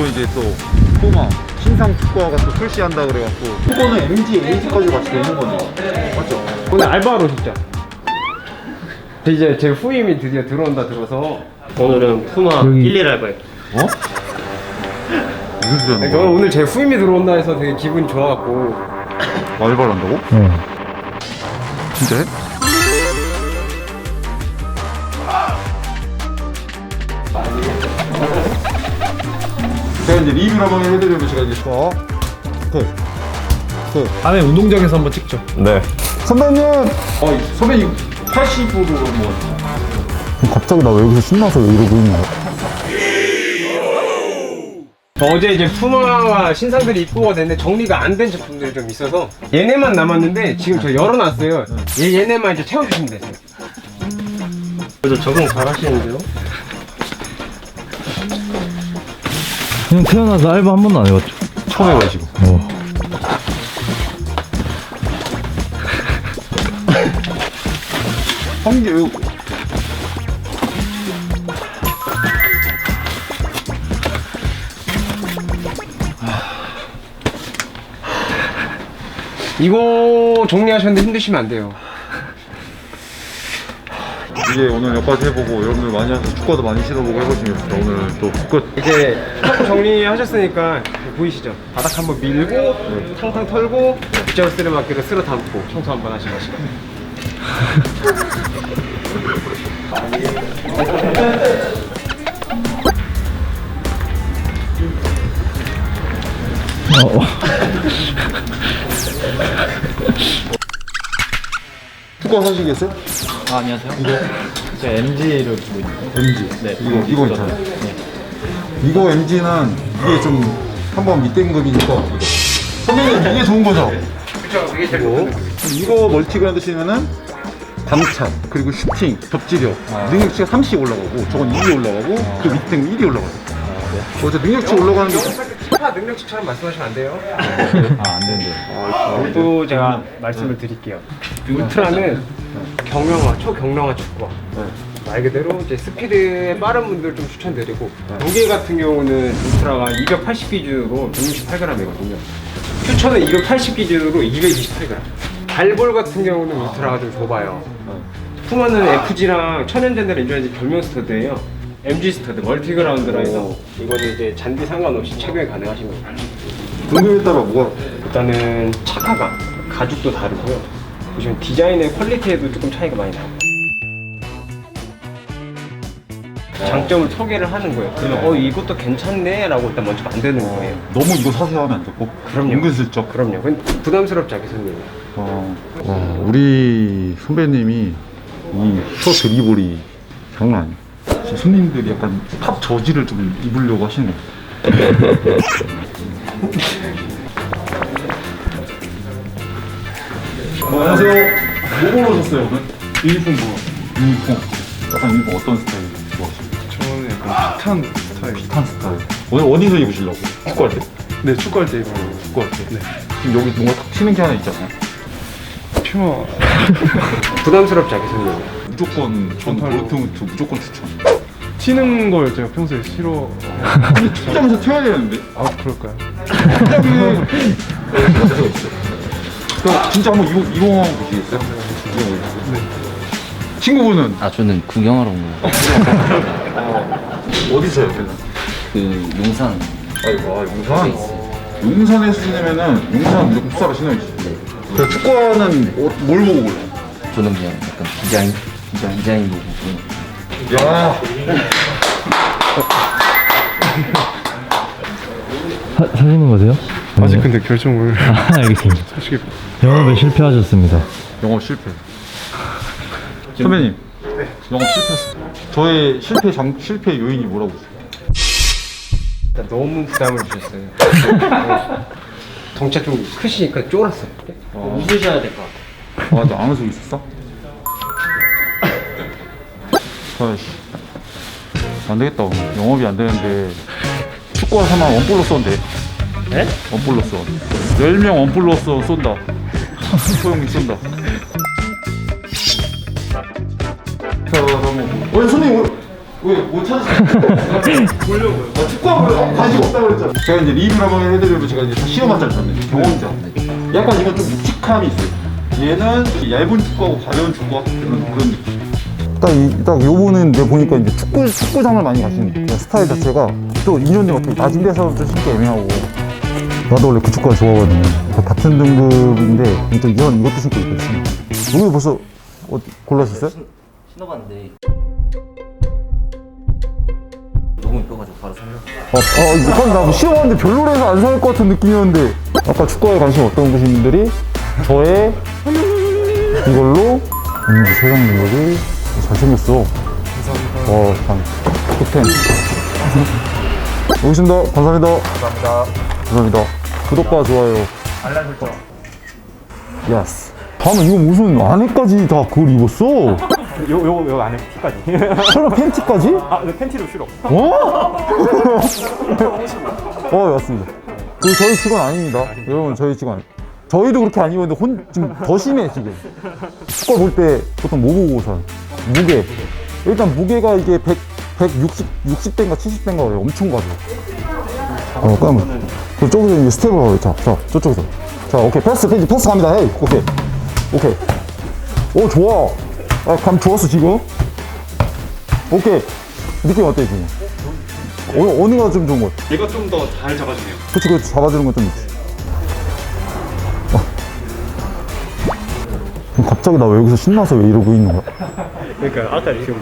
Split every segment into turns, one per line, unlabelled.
이제 또 푸마 신상 축구화가 또 출시한다 그래갖고 후보는 MG, AG까지 같이 되는 거네요. 맞죠?
오늘 알바로 진짜. 이제 제 후임이 드디어 들어온다 들어서
오늘은 푸마 11 알바예요.
어? 무슨 소리 하는
저는
거야?
오늘 제 후임이 들어온다 해서 되게 기분이 좋아갖고.
알바를 한다고?
네.
진짜 해? 제가 이제 리뷰를 한번 해드리면 제가 이제
다음에 운동장에서 한번 찍죠.
네.
선배님! 선배님 80으로 뭐
갑자기 나 왜 여기서 신나서 왜 이러고 있냐.
어제 이제 푸마와 신상들이 입고가 됐는데 정리가 안 된 제품들이 좀 있어서 얘네만 남았는데 지금 저 열어놨어요. 얘네만 이제 채워주시면 되세요.
그래도 적응 잘 하시는데요?
그냥 태어나서 알바 한 번도 안 해봤죠.
처음 해가지고 한개
이거 정리하셨는데 힘드시면 안 돼요.
이제 오늘 여기까지 해보고 여러분들 많이 와서 축구도 많이 신어보고 해보시겠습니다. 오늘 또 끝.
이제 탁구 정리하셨으니까 보이시죠? 바닥 한번 밀고 탕탕 털고 빗자루 쓰레받기로 쓸어 담고 청소 한번 하시고
축구 사시겠어요?
아, 안녕하세요. 제가 MG를 보고 있는데.
MG.
네.
이거 있잖아요. 이거 MG는 이게 좀 한번 밑등급이니까 이거. 선배님 이게 좋은 거죠?
그쵸, 그게 제일 좋은 거.
이거 멀티그라운드 치면은 감착 그리고 슈팅 접지력 능력치가 30 올라가고 저건 2이 올라가고 그 밑에 1이 올라가요. 어제 능력치 올라가는 게
피파 능력치처럼 말씀하시면 안 돼요.
안 되는데.
또 제가 말씀을 드릴게요. 울트라는 경량화, 초경량화 축구화. 말 그대로 이제 스피드에 빠른 분들 좀 추천드리고 무게 같은 경우는 울트라가 280 기준으로 168g이거든요. 퓨처는 280 기준으로 228g. 발볼 같은 경우는 울트라가 좀 좁아요. 푸마는 FG랑 천연잔디 인조한지 별명 스터드예요. MG 스터드, 멀티그라운드라 해서 이거는 이제 잔디 상관없이 착용이 가능하신 거예요.
등급에 따라 뭐가
일단은 착화감, 가죽도 다르고요. 보시면 디자인의 퀄리티에도 조금 차이가 많이 나요. 장점을 소개를 하는 거예요. 그러면 이것도 괜찮네 라고 일단 먼저 만드는 거예요.
너무 이거 사세요 하면 안 되고
그럼요.
은근슬쩍
그럼요. 근데 부담스럽지 않게 설명해요.
우리 선배님이 이 첫 드리블이 장난 아니야. 진짜 손님들이 약간 탑 저지를 좀 입으려고 하시는 거예요. 안녕하세요. 뭐 보러 오셨어요 오늘? 유니폼 보러. 유니폼. 약간 유니폼 어떤 스타일 좋아하시나요?
저는 약간 핏한 스타일.
핏한 스타일. 오늘 어디서 입으시려고? 축구할 때?
네, 축구할 때 입어요.
축구할 때?
네.
지금 여기 뭔가 탁 튀는 게 하나 있잖아요.
퓨마.
부담스럽지 않게 설명해요.
무조건 전
전팔로.
도르트문트 무조건 추천.
튀는 걸 제가 평소에 싫어.
근데 축구하면서 튀어야 되는데.
아, 그럴까요?
그럼 진짜 한번 이용하고 보시겠어요? 네. 친구분은
아, 저는 구경하러 온 거예요.
어디서요? 걔는?
그 용산.
아이고, 용산. 용산에서 신으면은 용산 무조건 풋사를 신어야지. 그 축구화는 뭘 보고 골라?
저는 그냥 약간 디자인 보고.
야,
사시는 거세요?
아직 근데 결정을
알겠습니다.
솔직히
영업에 실패하셨습니다.
영업 실패. 선배님, 영업 실패했어요. 저의 실패 요인이 뭐라고 보세요?
일단 너무 부담을 주셨어요. 덩치가 좀 크시니까 쫄았어요.
웃으셔야 될 것 같아요.
너 아는 속 있었어? 아이씨, 안 되겠다. 영업이 안 되는데 축구화 사면 원 플러스 원데.
네?
원 플러스 원. 10명 원 플러스 원 쏜다. 소영이 쏜다. 자, 그럼 선생님 왜못 찾으시나요? 보려고요. 축구하고 관심 없다고 그랬잖아. 제가 이제 리뷰를 한번 해드리려고 제가 이제 다 시험한자를 줬네. 경험자. 약간 이건 좀 묵직함이 있어요. 얘는 얇은 축구하고 가벼운 축구와 그런 느낌. 딱 요거는 내가 보니까 이제 축구장을 많이 가시는 스타일 자체가 또 2년 된 것 같아. 낮은 데서 좀 신기 애매하고. 나도 원래 그 축구가 좋아하거든요. 같은 등급인데 또 이것도 신고 있거든요. 여기 벌써 골라셨어요?
신어봤는데 너무 이뻐가지고 바로 살려.
이건 나 시험하는데 별로라서 안 살 것 같은 느낌이었는데 아까 축구에 관심 없던 분들이 저의 이걸로 세상 능력이 잘생겼어. 감사합니다. 참 톱텐. 여기 있습니다. 감사합니다. 감사합니다. 구독과 좋아요. 알람 설정. 야스. 다음에 이거 무슨 안에까지 다 그걸 입었어?
요 안에 티까지.
설마 팬티까지?
아, 근데 팬티도 싫어.
맞습니다. 그 저희 직원 아닙니다. 여러분 저희 직원 아닙니다. 저희도 그렇게 안 입었는데 지금 더 심해 지금. 축구 볼 때 보통 뭐 보고 사? 무게. 일단 무게가 이게 60대인가 70대인가 그래요. 엄청 가벼워. 그러면 저쪽에서 이제 스텝을 자, 저쪽에서. 자, 오케이. 패스 갑니다. 헤이. 오케이. 오, 좋아. 감 좋았어, 지금. 오케이. 느낌 어때, 지금? 어느가 좀 좋은 것 같아?
얘가 좀 더 잘 잡아주네요.
그치, 그 잡아주는 건 좀 있지. 갑자기 나 왜 여기서 신나서 왜 이러고 있는 거야?
그러니까 아까 지금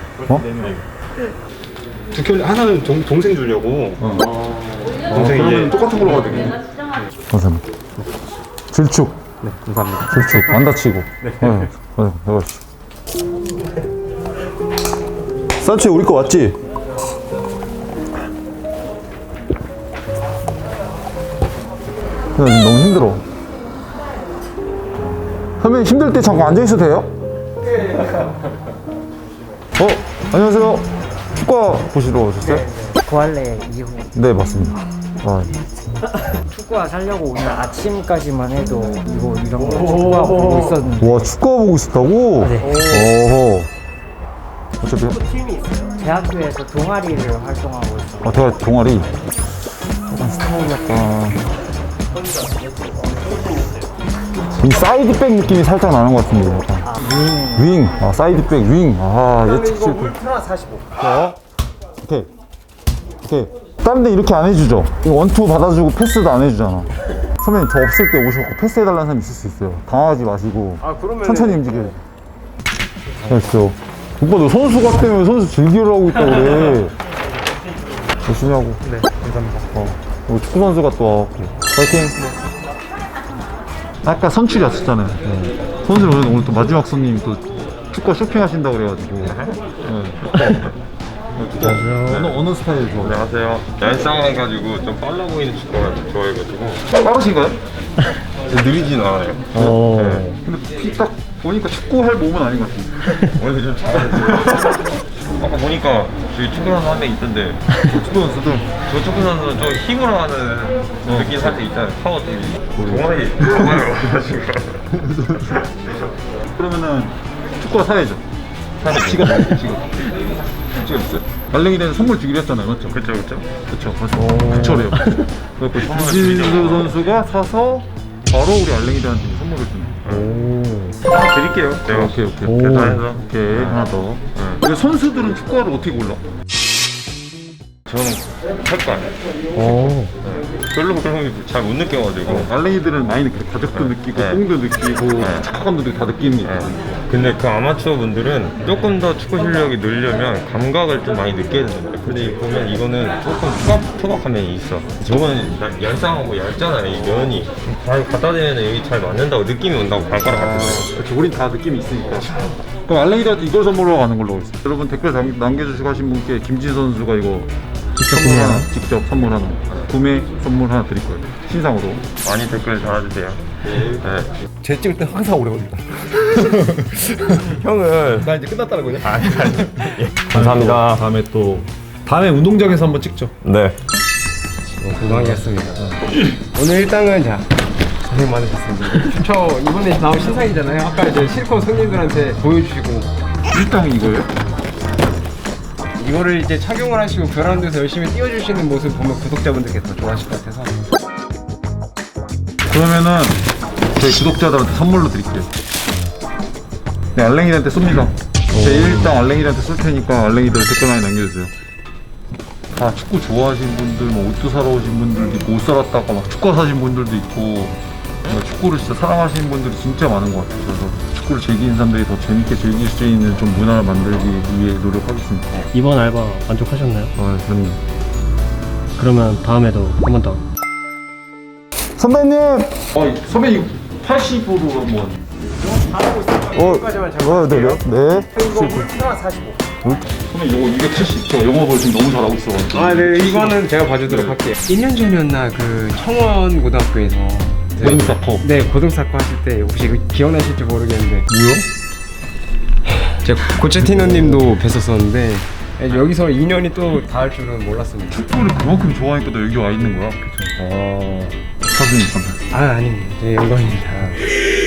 두 켤레 하나는 동생 주려고. 동생이 이제
똑같은 걸로 가야 되겠네. 감사합니다. 질축.
네, 감사합니다.
질축. 안 다치고. 네. 산초에 우리 거 왔지? 나 지금 너무 힘들어. 선배님 힘들 때 잠깐 앉아있어도 돼요? 안녕하세요. 축구 보시러 오셨어요?
구할래 이후
네, 맞습니다.
축구화 사려고 오늘 아침까지만 해도 이런 거 축구화 보고 있었는데
와, 축구 보고 있었다고?
네.
어허. 어차피,
대학교에서 동아리를 활동하고 있어요.
제가 동아리. 약간 스타일이 이 사이드백 느낌이 살짝 나는 것 같은데. 약간. 윙. 사이드백, 윙. 예측 실패.
울트라 45.
오케이. 다른 데 이렇게 안 해주죠? 이거 원투 받아주고 패스도 안 해주잖아. 선배님, 저 없을 때 오셔서 패스해달라는 사람 있을 수 있어요. 당하지 마시고.
그러면
천천히 움직여요. 알았어. 오빠, 너 선수 같다며 선수 즐기려고 있다고 그래. 열심히 하고.
네, 감사합니다.
우리 축구 선수가 또 와갖고. 파이팅! 아까 선출이 왔었잖아요. 선수를 오늘 또 마지막 손님이 또 축구 쇼핑하신다고 그래가지고. 어느 스타일 좋아해요?
안녕하세요. 얄쌍해가지고 좀 빨라 보이는 축구를 좋아해가지고.
빠르신가요?
느리진 않아요.
근데 딱 보니까 축구할 몸은 아닌 것 같은데.
원래 좀 잘하지. 아까 보니까 저기 축구 선수 한 명 있던데
축구 선수들.
저 축구 선수는 좀 힘으로 하는 느낌 살짝 있잖아요. 파워 팀이. 동아리 가가지고.
그러면은 축구가 사야죠.
사야죠.
지갑 있어요? 말랭이는 선물 주기로 했잖아요, 맞죠?
그쵸.
그쵸,래요. 그래서 김진수 선수가 사서 바로 우리 알랭이들한테 선물을 주는.
하나 드릴게요. 제가
오케이.
계산해서.
오케이, 하나 더. 근데 선수들은 축구화를 어떻게 골라?
저는 할 거 아니에요. 별로 잘 못 느껴가지고.
알랭이들은 많이 느껴요. 가격도 느끼고, 뽕도 느끼고, 착화감도 다 느끼는 게 있거든요.
근데 그 아마추어 분들은 조금 더 축구 실력이 늘려면 감각을 좀 많이 느껴야 되는데, 근데 보면 이거는 조금 투박한 면이 있어. 저건 얄쌍하고 얇잖아요, 이 면이. 잘 갖다 대면 여기 잘 맞는다고 느낌이 온다고 발가락 같은 거.
그렇죠. 우린 다 느낌이 있으니까. 그럼 알랭이들한테 이걸 선물로 가는 걸로 하겠습니다. 여러분 댓글 남겨주시고 하신 분께 김진 선수가 이거 직접 선물 하나, 구매 선물 하나 드릴 거예요. 신상으로.
많이 댓글 달아주세요. 네.
제 찍을 때 항상 오래 걸린다. 형은 나 이제 끝났다는 거냐? 아니. 감사합니다.
다음에 운동장에서 한번 찍죠.
네.
건강이었습니다. 오늘 일당은 고생 많으셨습니다. 저 이번에 나온 신상이잖아요. 아까 이제 실컷 손님들한테 보여주시고.
일당이 이거예요?
이거를 이제 착용을 하시고 그라운드에서 열심히 뛰어주시는 모습 보면 구독자분들께 더 좋아하실 것 같아서.
그러면은 저희 구독자들한테 선물로 드릴게요. 네, 알랭이들한테 쏩니다. 제가 일단 알랭이들한테 쏠 테니까 알랭이들 댓글 많이 남겨주세요. 다 축구 좋아하시는 분들, 뭐 옷도 사러 오신 분들도 있고, 옷 사러 왔다가 막 축구 사신 분들도 있고, 축구를 진짜 사랑하시는 분들이 진짜 많은 것 같아요. 그래서 축구를 즐기는 사람들이 더 재밌게 즐길 수 있는 좀 문화를 만들기 위해 노력하겠습니다.
이번 알바 만족하셨나요?
저는
그러면 다음에도 한 번 더.
선배님! 선배님 80으로 한번.
잘하고 있어요. 여기까지만 잡고.
네요? 네.
이거 울트라 45.
선배님 이거 280. 저 영업을 지금 너무 잘하고 있어가지고.
아, 네, 이거는 제가 봐주도록 할게요. 1년 전이었나 그 청원 고등학교에서
고등사커.
네, 고등사커 하실 때 혹시 이거 기억나실지 모르겠는데
뭐요?
제가 고체티너님도 뵀었었는데 여기서 인연이 또 닿을 줄은 몰랐습니다.
축구를 그만큼 좋아하니까 너 여기 와 있는 거야? 그쵸. 축하드립니다.
아, 아닙니다. 네, 영광입니다.